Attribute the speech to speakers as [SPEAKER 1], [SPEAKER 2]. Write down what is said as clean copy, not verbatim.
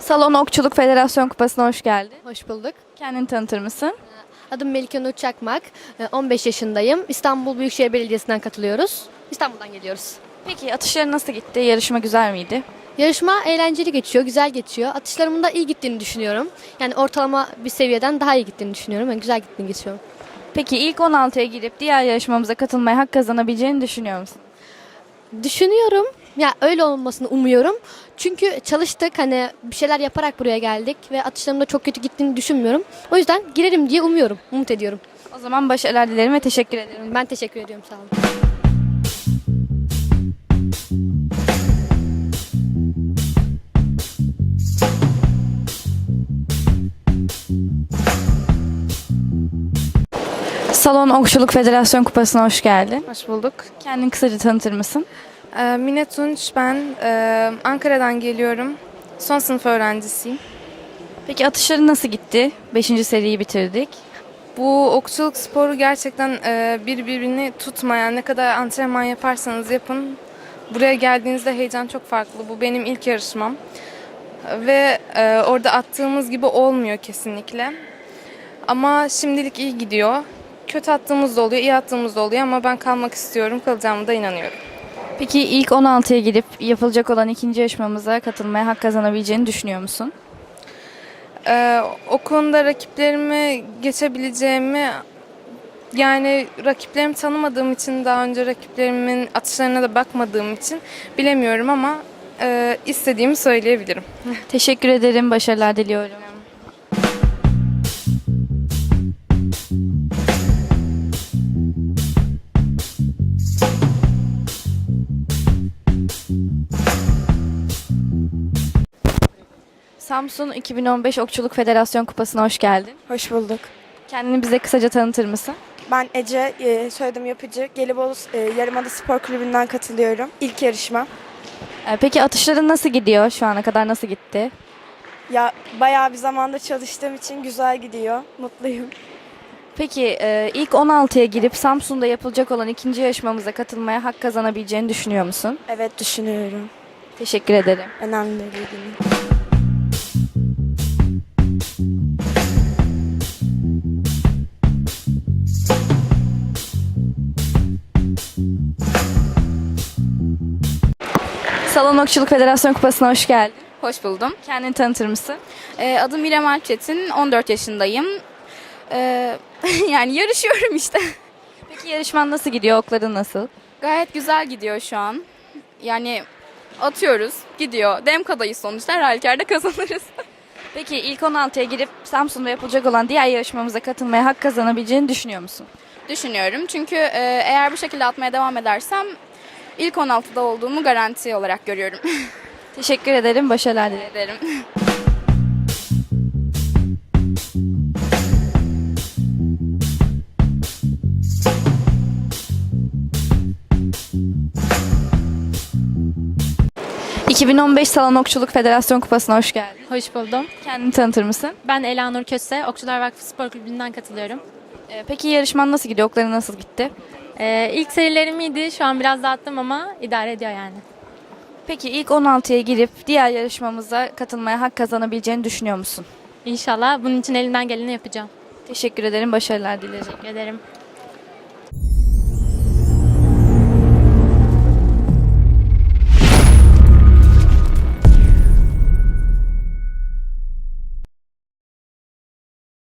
[SPEAKER 1] Salon Okçuluk Federasyon Kupası'na hoş geldin.
[SPEAKER 2] Hoş bulduk.
[SPEAKER 1] Kendini tanıtır mısın?
[SPEAKER 2] Adım Melike Nur Çakmak. 15 yaşındayım. İstanbul Büyükşehir Belediyesi'nden katılıyoruz. İstanbul'dan geliyoruz.
[SPEAKER 1] Peki atışların nasıl gitti? Yarışma güzel miydi?
[SPEAKER 2] Yarışma eğlenceli geçiyor, güzel geçiyor. Atışlarımın da iyi gittiğini düşünüyorum. Yani ortalama bir seviyeden daha iyi gittiğini düşünüyorum. Yani güzel gittiğini geçiyorum.
[SPEAKER 1] Peki ilk 16'ya girip diğer yarışmamıza katılmaya hak kazanabileceğini düşünüyor musun?
[SPEAKER 2] Düşünüyorum. Ya öyle olmasını umuyorum. Çünkü çalıştık, hani bir şeyler yaparak buraya geldik ve atışlarımda çok kötü gittiğini düşünmüyorum. O yüzden girerim diye umuyorum, umut ediyorum.
[SPEAKER 1] O zaman başarılar dilerim ve teşekkür ederim.
[SPEAKER 2] Ben teşekkür ediyorum, sağ olun.
[SPEAKER 1] Salon Okçuluk Federasyon Kupası'na hoş geldin.
[SPEAKER 3] Hoş bulduk.
[SPEAKER 1] Kendini kısaca tanıtır mısın?
[SPEAKER 3] Mine Tunç, ben Ankara'dan geliyorum. Son sınıf öğrencisiyim.
[SPEAKER 1] Peki atışların nasıl gitti? 5. seriyi bitirdik.
[SPEAKER 3] Bu okçuluk sporu gerçekten birbirini tutmayan, ne kadar antrenman yaparsanız yapın. Buraya geldiğinizde heyecan çok farklı. Bu benim ilk yarışmam. Ve orada attığımız gibi olmuyor kesinlikle. Ama şimdilik iyi gidiyor. Kötü attığımız da oluyor, iyi attığımız da oluyor ama ben kalmak istiyorum, kalacağıma da inanıyorum.
[SPEAKER 1] Peki ilk 16'ya girip yapılacak olan ikinci yarışmamıza katılmaya hak kazanabileceğini düşünüyor musun?
[SPEAKER 3] O konuda rakiplerimi geçebileceğimi, yani rakiplerimi tanımadığım için, daha önce rakiplerimin atışlarına da bakmadığım için bilemiyorum ama istediğimi söyleyebilirim.
[SPEAKER 1] Teşekkür ederim. Başarılar diliyorum. Samsun 2015 Okçuluk Federasyon Kupası'na hoş geldin.
[SPEAKER 4] Hoş bulduk.
[SPEAKER 1] Kendini bize kısaca tanıtır mısın?
[SPEAKER 4] Ben Ece, soyadım Yapıcı. Gelibolu Yarımada Spor Kulübü'nden katılıyorum. İlk yarışma.
[SPEAKER 1] Peki atışların nasıl gidiyor? Şu ana kadar nasıl gitti?
[SPEAKER 4] Ya bayağı bir zamanda çalıştığım için güzel gidiyor. Mutluyum.
[SPEAKER 1] Peki ilk 16'ya girip Samsun'da yapılacak olan ikinci yarışmamıza katılmaya hak kazanabileceğini düşünüyor musun?
[SPEAKER 4] Evet, düşünüyorum.
[SPEAKER 1] Teşekkür ederim.
[SPEAKER 4] Önemli bir gün.
[SPEAKER 1] Salon Okçuluk Federasyon Kupası'na hoş geldin.
[SPEAKER 5] Hoş buldum.
[SPEAKER 1] Kendini tanıtır mısın?
[SPEAKER 5] Adım İrem Alpçetin, 14 yaşındayım. Yani yarışıyorum işte.
[SPEAKER 1] Peki yarışman nasıl gidiyor? Okların nasıl?
[SPEAKER 5] Gayet güzel gidiyor şu an. Yani atıyoruz, gidiyor. Demkadayız sonuçta, her halükarda kazanırız.
[SPEAKER 1] Peki ilk 16'ya girip Samsun'da yapılacak olan diğer yarışmamıza katılmaya hak kazanabileceğini düşünüyor musun?
[SPEAKER 5] Düşünüyorum çünkü eğer bu şekilde atmaya devam edersem ilk 16'da olduğumu garanti olarak görüyorum.
[SPEAKER 1] Teşekkür ederim. Başarılar dilerim.
[SPEAKER 5] Ederim.
[SPEAKER 1] ...2015 Salon Okçuluk Federasyon Kupası'na hoş geldin.
[SPEAKER 6] Hoş buldum.
[SPEAKER 1] Kendini tanıtır mısın?
[SPEAKER 6] Ben Elanur Köse, Okçular Vakfı Spor Kulübü'nden katılıyorum.
[SPEAKER 1] Peki yarışman nasıl gidiyor? Okların nasıl gitti?
[SPEAKER 6] İlk serilerim iyiydi, şu an biraz dağıttım ama idare ediyor yani.
[SPEAKER 1] Peki ilk 16'ya girip diğer yarışmamıza katılmaya hak kazanabileceğini düşünüyor musun?
[SPEAKER 6] İnşallah bunun için elimden geleni yapacağım.
[SPEAKER 1] Teşekkür ederim. Başarılar dilerim.
[SPEAKER 6] Teşekkür ederim.